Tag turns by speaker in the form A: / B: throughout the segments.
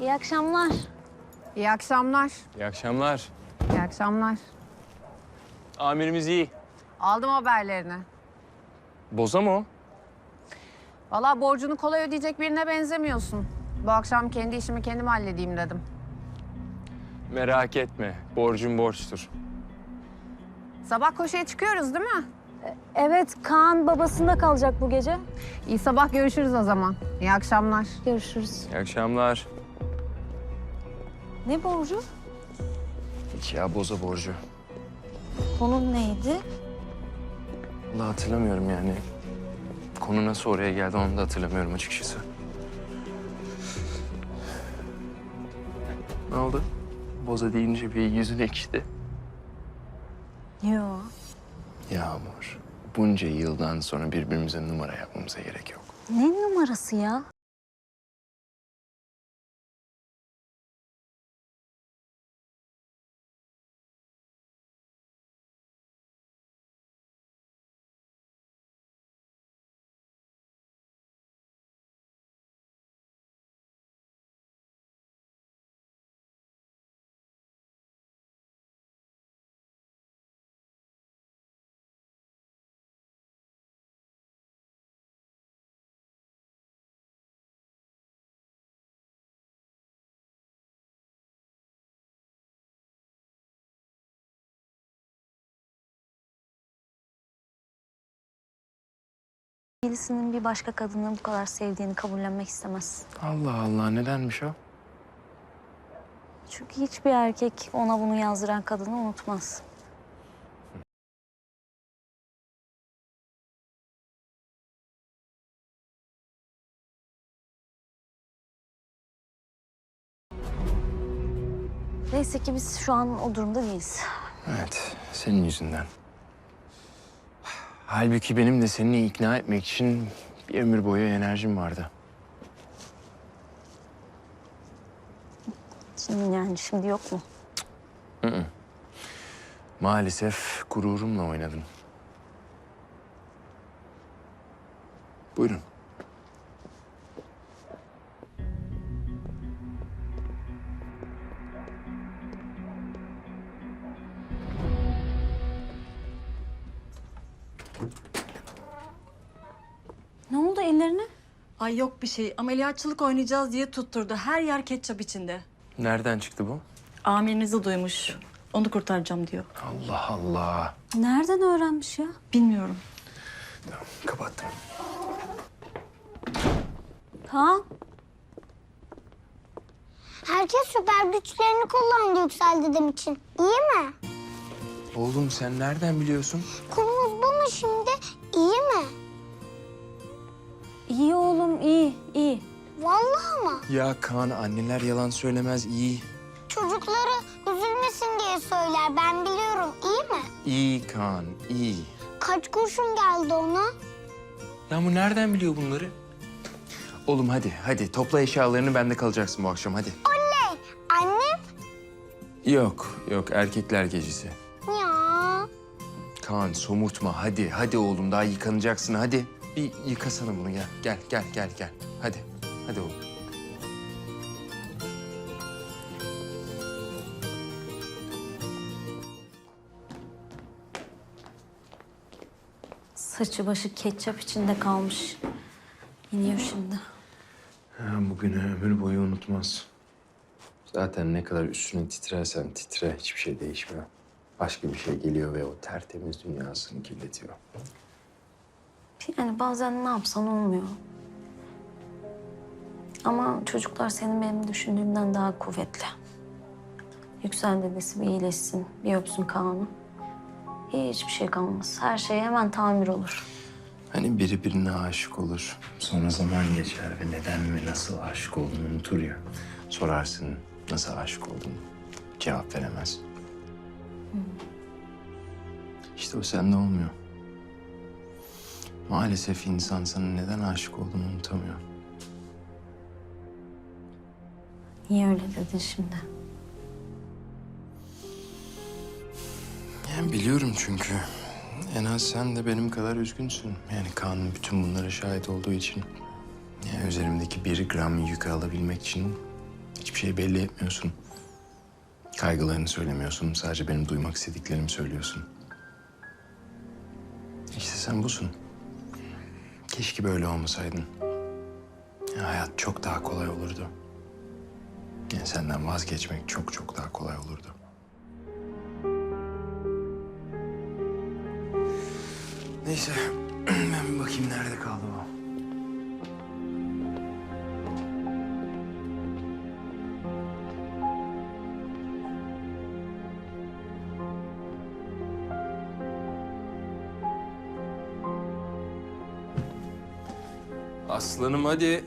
A: İyi akşamlar.
B: İyi akşamlar.
C: İyi akşamlar.
B: İyi akşamlar.
C: Amirimiz iyi.
B: Aldım haberlerini.
C: Boza mı o?
B: Vallahi borcunu kolay ödeyecek birine benzemiyorsun. Bu akşam kendi işimi kendim halledeyim dedim.
C: Merak etme. Borcum borçtur.
B: Sabah koşuya çıkıyoruz değil mi?
A: Evet, Kaan babasında kalacak bu gece.
B: İyi sabah görüşürüz o zaman. İyi akşamlar.
A: Görüşürüz.
C: İyi akşamlar.
A: Ne borcu?
C: Hiç ya boza borcu.
A: Konun neydi?
C: Vallahi hatırlamıyorum yani. Konu nasıl oraya geldi onu da hatırlamıyorum açıkçası. Ne oldu? Boza deyince bir yüzün ekşidi.
A: Yo.
C: Yağmur, bunca yıldan sonra birbirimize numara yapmamıza gerek yok.
A: Ne numarası ya? Birisinin bir başka kadını bu kadar sevdiğini kabullenmek istemez.
C: Allah Allah, nedenmiş o?
A: Çünkü hiçbir erkek ona bunu yazdıran kadını unutmaz. Neyse ki biz şu an o durumda değiliz.
C: Evet, senin yüzünden. Halbuki benim de seni ikna etmek için bir ömür boyu enerjim vardı.
A: Şimdi yok mu?
C: Maalesef gururumla oynadın. Buyurun.
A: Ne oldu ellerine?
D: Ay yok bir şey. Ameliyatçılık oynayacağız diye tutturdu. Her yer ketçap içinde.
C: Nereden çıktı bu?
D: Amirinizi duymuş. Onu kurtaracağım diyor.
C: Allah Allah.
A: Nereden öğrenmiş ya?
D: Bilmiyorum.
C: Tamam, kapattım.
A: Kaan.
E: Herkes süper güçlerini kullandı Yüksel dedem için. İyi mi?
C: Oğlum sen nereden biliyorsun?
E: Konumuz bu mu şimdi? İyi mi?
A: İyi oğlum, iyi.
E: Vallahi mı?
C: Ya Kaan, anneler yalan söylemez, iyi.
E: Çocukları üzülmesin diye söyler. Ben biliyorum. İyi mi?
C: İyi Kaan, iyi.
E: Kaç kurşun geldi ona?
C: Ya bu nereden biliyor bunları? Oğlum hadi topla eşyalarını, bende kalacaksın bu akşam hadi.
E: Oley! Annem?
C: Yok erkekler gecesi.
E: Ya.
C: Kaan somurtma hadi oğlum, daha yıkanacaksın hadi. Bir yıkasana bunu, gel. Hadi oğlum.
A: Saçı başı ketçap içinde kalmış. İniyor şimdi.
C: Bugünü ömür boyu unutmaz. Zaten ne kadar üstüne titrersen titre hiçbir şey değişmiyor. Başka bir şey geliyor ve o tertemiz dünyasını kirletiyor.
A: Yani bazen ne yapsan olmuyor. Ama çocuklar senin benim düşündüğümden daha kuvvetli. Yüksel dedesi bir iyileşsin, bir öpsün Kaan'ı. Hiçbir şey kalmaz. Her şey hemen tamir olur.
C: Hani biri birine aşık olur. Sonra zaman geçer ve neden ve nasıl aşık olduğunu unutur ya. Sorarsın nasıl aşık olduğunu. Cevap veremez. İşte o sende olmuyor. Maalesef insan sana neden aşık olduğunu unutamıyor.
A: Niye öyle dedin şimdi?
C: Yani biliyorum çünkü. En az sen de benim kadar üzgünsün. Yani Kaan'ın bütün bunlara şahit olduğu için. Yani üzerimdeki 1 gram yükü alabilmek için Hiçbir şey belli etmiyorsun. Kaygılarını söylemiyorsun. Sadece benim duymak istediklerimi söylüyorsun. İşte sen busun. Keşke böyle olmasaydın. Ya hayat çok daha kolay olurdu. Yani senden vazgeçmek çok çok daha kolay olurdu. Neyse, ben bir bakayım nerede kaldı o. Aslanım hadi.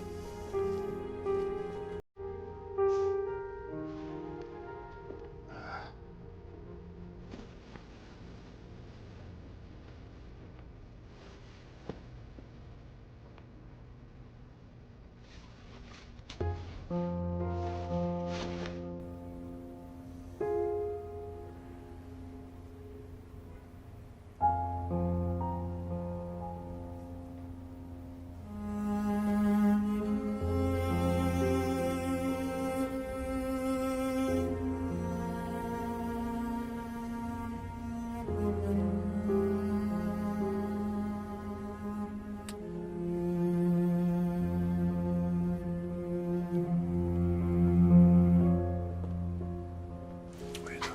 C: Uyudu.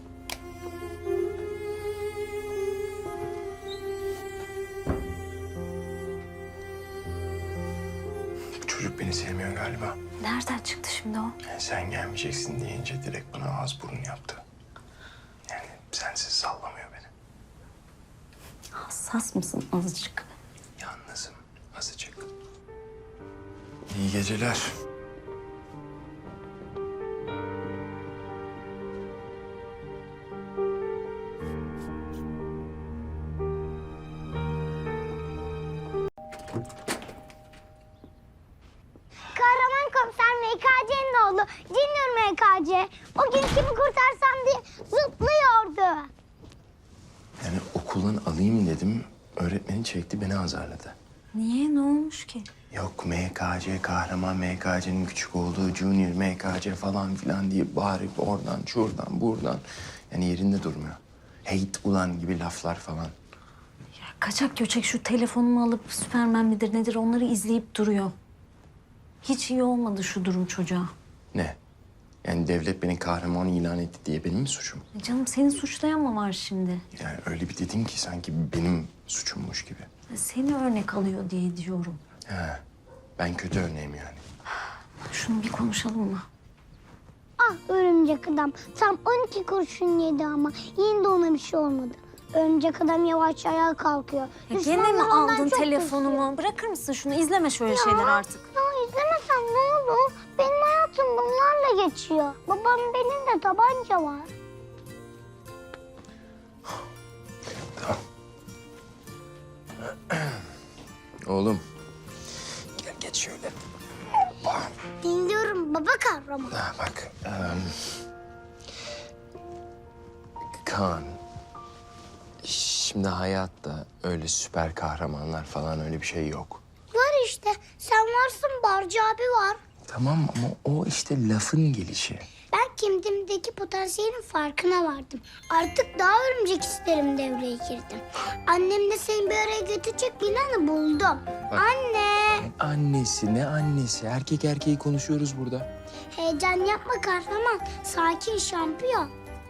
C: Bu çocuk beni sevmiyor galiba.
A: Nereden çıktı şimdi o?
C: Yani sen gelmeyeceksin deyince direkt bana ağız burun yaptı. Yani sensiz sallamıyor beni.
A: Hassas mısın azıcık?
C: Yalnızım azıcık. İyi geceler.
E: Kahraman komiser MKC'nin oğlu Junior MKC. O gün kimi kurtarsam diye zıplıyordu.
C: Yani okuldan alayım dedim. Öğretmeni çekti beni azarladı.
A: Niye? Ne olmuş ki?
C: Yok MKC, kahraman MKC'nin küçük olduğu Junior MKC falan filan diye bağırıp oradan, şuradan, buradan. Yani yerinde durmuyor. Heyt ulan gibi laflar falan.
A: Kaçak göçek şu telefonumu alıp Süpermen midir nedir onları izleyip duruyor. Hiç iyi olmadı şu durum çocuğa.
C: Ne? Yani devlet beni kahraman ilan etti diye benim mi suçum?
A: Canım seni suçlayan mı var şimdi?
C: Yani öyle bir dedin ki sanki benim suçummuş gibi.
A: Seni örnek alıyor diye diyorum.
C: He, ben kötü örneğim yani.
A: Şunu bir konuşalım mı?
E: Ah örümcek adam tam 12 kurşun yedi ama yine de ona bir şey olmadı. Örümcek adam yavaş ayağa kalkıyor.
A: Ya gene mi
E: Düşmanlar ondan
A: aldın
E: çok
A: telefonumu? Bırakır mısın şunu? İzleme şöyle şeyler artık.
E: Ya izlemesem ne olur? Benim hayatım bunlarla geçiyor. Babam benim de tabanca var.
C: Tamam. Oğlum, gel geç şöyle. Hoppa.
E: Dinliyorum baba kahraman.
C: Ha, bak, Kaan. Şimdi hayatta öyle süper kahramanlar falan öyle bir şey yok.
E: Var işte. Sen varsın, Barcı abi var.
C: Tamam ama o işte lafın gelişi.
E: Ben kendimdeki potansiyelin farkına vardım. Artık daha örümcek isterim devreye girdim. Annemle seni bir araya götürecek planı buldum.
C: Bak.
E: Anne!
C: Annesi ne annesi? Erkek erkeği konuşuyoruz burada.
E: Heyecan yapma kahraman. Sakin şampiyon.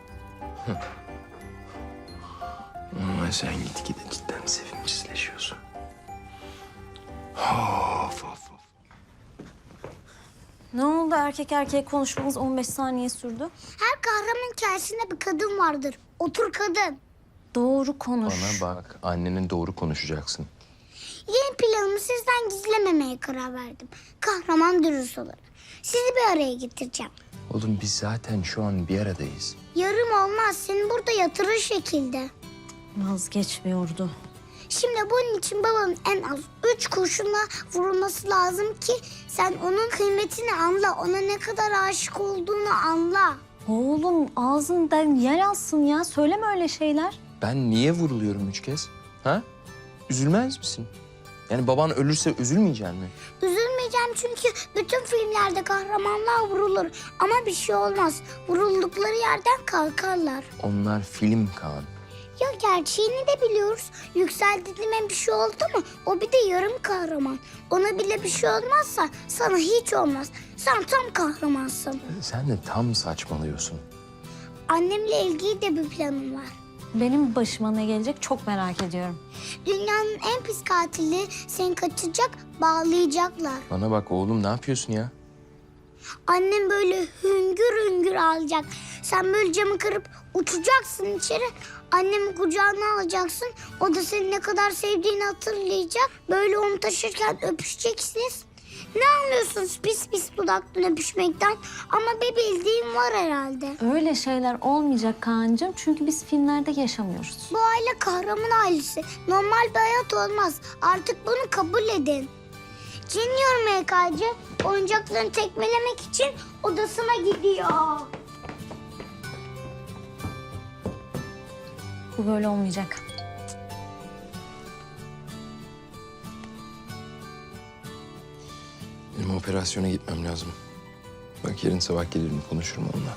C: Ama sen gitgide cidden sevimsizleşiyorsun. Of of of.
A: Ne oldu erkek erkeğe konuşmamız 15 saniye sürdü?
E: Her kahraman hikayesinde bir kadın vardır. Otur kadın.
A: Doğru konuş.
C: Bana bak, annenin doğru konuşacaksın.
E: Yeni planımı sizden gizlememeye karar verdim. Kahraman dürüst olur. Sizi bir araya getireceğim.
C: Oğlum biz zaten şu an bir aradayız.
E: Yarım olmaz. Seni burada yatırır şekilde.
A: Vazgeçmiyordu.
E: Şimdi bunun için babanın en az 3 kurşunla vurulması lazım ki sen onun kıymetini anla. Ona ne kadar aşık olduğunu anla.
A: Oğlum ağzından yer alsın ya. Söyleme öyle şeyler.
C: Ben niye vuruluyorum 3 kez? Ha? Üzülmez misin? Yani baban ölürse üzülmeyecek mi?
E: Üzülme Göstermeyeceğim çünkü bütün filmlerde kahramanlar vurulur. Ama bir şey olmaz. Vuruldukları yerden kalkarlar.
C: Onlar film Kaan.
E: Ya gerçeğini de biliyoruz. Yüksel dediğime bir şey oldu mu? O bir de yarım kahraman. Ona bile bir şey olmazsa sana hiç olmaz. Sen tam kahramansın.
C: Sen de tam saçmalıyorsun.
E: Annemle ilgili de bir planım var.
A: Benim başıma ne gelecek çok merak ediyorum.
E: Dünyanın en pis katili seni kaçacak, bağlayacaklar.
C: Bana bak oğlum, ne yapıyorsun ya?
E: Annem böyle hüngür hüngür ağlayacak. Sen böyle camı kırıp uçacaksın içeri. Annemi kucağına alacaksın. O da seni ne kadar sevdiğini hatırlayacak. Böyle onu taşırken öpüşeceksiniz. Ne anlıyorsunuz pis pis dudaktan öpüşmekten? Ama bir bildiğim var herhalde.
A: Öyle şeyler olmayacak Kaan'cığım çünkü biz filmlerde yaşamıyoruz.
E: Bu aile kahraman ailesi. Normal bir hayat olmaz. Artık bunu kabul edin. Junior MKC oyuncaklarını tekmelemek için odasına gidiyor.
A: Bu böyle olmayacak.
C: Benim operasyona gitmem lazım. Bak yarın sabah gelirim, konuşurum onunla.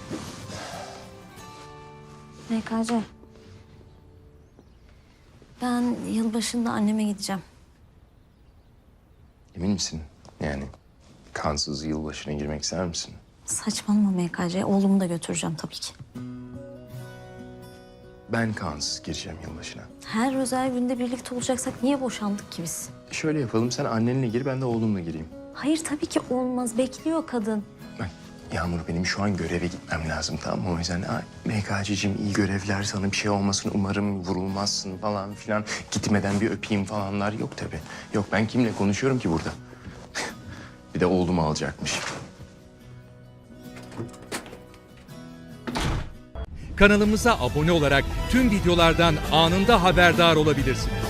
A: MKC. Ben yılbaşında anneme gideceğim.
C: Emin misin? Yani kansız yılbaşına girmek ister misin?
A: Saçmalama MKC. Oğlumu da götüreceğim tabii ki.
C: Ben kansız gireceğim yılbaşına.
A: Her özel günde birlikte olacaksak niye boşandık ki biz?
C: Şöyle yapalım, sen annenle gir, ben de oğlumla gireyim.
A: Hayır tabii ki olmaz. Bekliyor kadın.
C: Bak Yağmur, benim şu an göreve gitmem lazım, tamam mı? O yüzden MKC'cim iyi görevler, sana bir şey olmasın, umarım vurulmazsın falan filan. Gitmeden bir öpeyim falanlar yok tabii. Yok, ben kimle konuşuyorum ki burada? Bir de oğlumu alacakmış.
F: Kanalımıza abone olarak tüm videolardan anında haberdar olabilirsiniz.